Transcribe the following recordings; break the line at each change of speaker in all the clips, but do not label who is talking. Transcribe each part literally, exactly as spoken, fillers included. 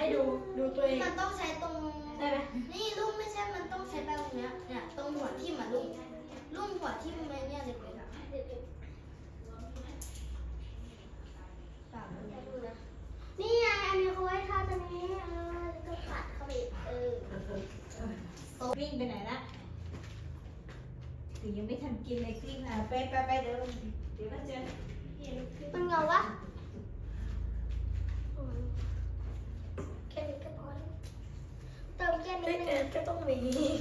ให้ดูดูตัวเอง
มันต้องใช้ตรง
ได้ไหม
นี่ลุ่มไม่ใช่มันต้องใช้แบบเนี้ยเนี่ยตรงหัวทิ่มอ่ะลุ่มลุ่มหัวทิ่มอะไรเนี่ยเล็กๆอ่ะปากมันดูนะนี่ไงอันนี้เขาไว้ทาตรงนี้เออแล้วก็ปัดเข้าไปเออ
วิ่งไปไหนละถึงยังไม่ทันกินเลยกลิ้งอ่ะไปไปไปเดี๋ยวเดี๋ยวมาเจอ
มันเงาวะแค่นี้ก็พอแล้วเติมแค่นี้ก็ต้องมี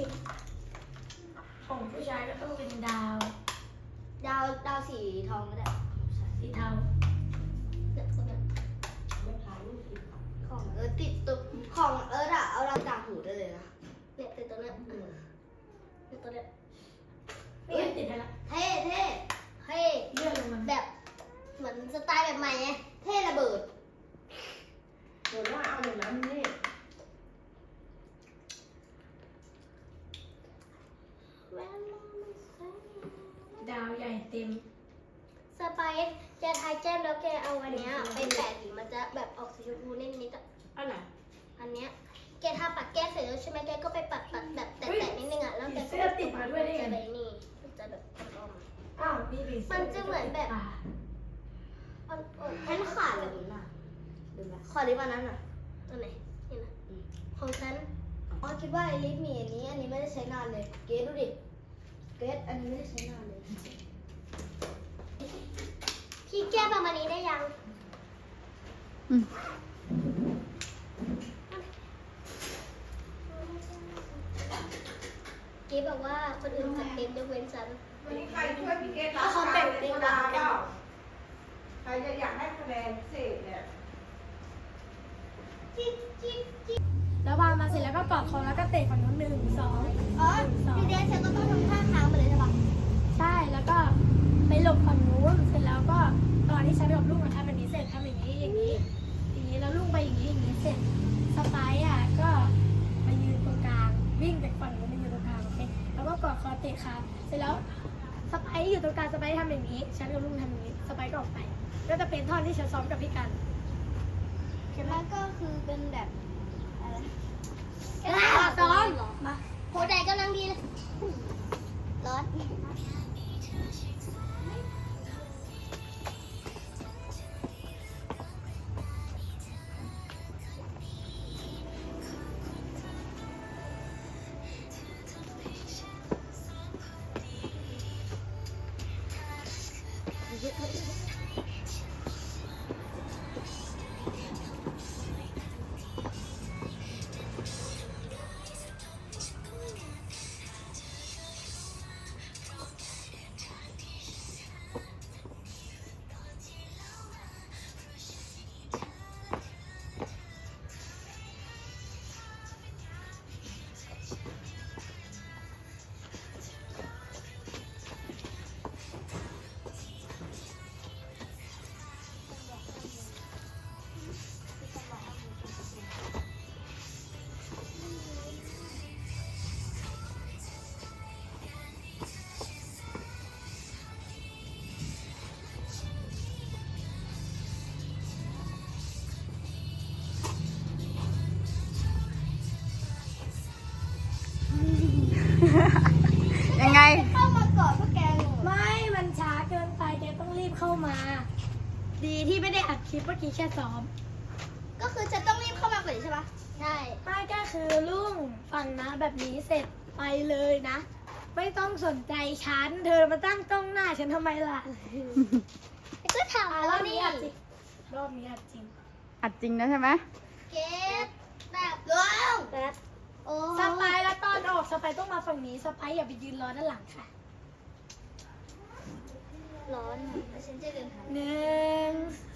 ของผู้ชายก็ต้องเป็นดาว
ดาวดาวสีทองก็ได้
สีเทา
เนี่ยคนนั้นของเออติดตัวของเอออะเอาเราต่างหูได้เลยนะเนี่ยติดตัวเนี้ยติดตัวเนี้ย
ไม่ยังติดอะไร
เท่เท่เท่
เลื่อนลงมา
แบบเหมือนสไตล์แบบใหม่ไงเท่ระเบิด
เดี๋ยวว่าเอาอย่างนั้นนี่ดาวใหญ่เต็ม
สไปซ์แกทายแก้มแล้วแกเอาอันเนี้ยไปแปะถึงมันจะแบบออกสีชมพูนิดนิดอ่ะ
อะไร
อันเนี้ยแกทาปัดแก้มเสร็จแล้วใช่ไหมแกก็ไปปัดปัดแบบแตะๆนิดนึงอ่ะแล้วแก
เสื้อติดมาด้วยได้ไง
นี่มันจะแบบออกมา
อ้าวนี่
มันจะเหมือนแบบมันมันขาดเลยน่ะดูไหมขอลิปอันนั้นอ่ะตัวไหนนี่นะของฉันอ๋อคิดว่าไอลิปมีอันนี้อันนี้ไม่ได้ใช้นานเลยเกสดูดิเกสอันนี้ไม่ได้ใช้นานเลยพี่แก้ประมาณนี้ได้ยังเกสบอกว่าคนอื่นจัดเต็มยกเว้นฉัน
ใครช่วยพี่เกสรับ
เขาแต่งเต็มแล้ว
ใครจะอยากได้คะแนนพิเศษเนี่ย
แล้ววางมาเสร็จแล้วก็กอดคอแล้วก็เตะฝั่งนู้นหนึ่งสอง
อ๋อพี่เดชเธอก็ต้องทำท่าค้างไปเลยใช่ปะ
ใช่แล้วก็ไปหลบฝั่งนู้นเสร็จแล้วก็ตอนที่ฉันไปกับลูกมาทำแบบนี้เสร็จทำอย่างนี้อย่างนี้อย่างนี้แล้วลูกไปอย่างนี้อย่างนี้เสร็จสไปซ์อ่ะก็มายืนตรงกลางวิ่งจากฝั่งนู้นมายืนตรงกลางโอเคแล้วก็กอดคอเตะขาเสร็จแล้วสไปซ์อยู่ตรงกลางสไปซ์ทำอย่างนี้ฉันกับลูกทำอย่างนี้สไปซ์ก็ออกไปก็จะเป็นท่อนที่ฉันซ้อมกับพี่กัน
แล้วก็คือเป็นแบบอะไร
ซ้อม
มาโหแดดกำลังดีเลยร้อน
ยังไง
เข้ามาก่อนพวกแก
ไม่มันช้าเกินไปแกต้องรีบเข้ามาดีที่ไม่ได้อัดคลิปเมื่อกี้แค่ซ้อม
ก็คือจะต้องรีบเข้ามาก่อนใช่ปะใช่
ไม่ก็คือลุงฟังนะแบบนี้เสร็จไปเลยนะไม่ต้องสนใจฉันเธอมาตั้งกล้องหน้าฉันทำไมล่ะ
ก็ถาม
รอ
ว่า
บนี้
นี่
อัดจริงรอบนี้อัดจริง
อัดจริงนะใช่ไหม
เกตแบบว้าว
แบบ
โอ้
สไปร์แล้วตอนออกสไปร์ต้องมาฝั่งนี้สไปร์อย่าไปยืนรอด้านหลังค่ะ
ร้อนฉันจะเดินหา
หนึ่ง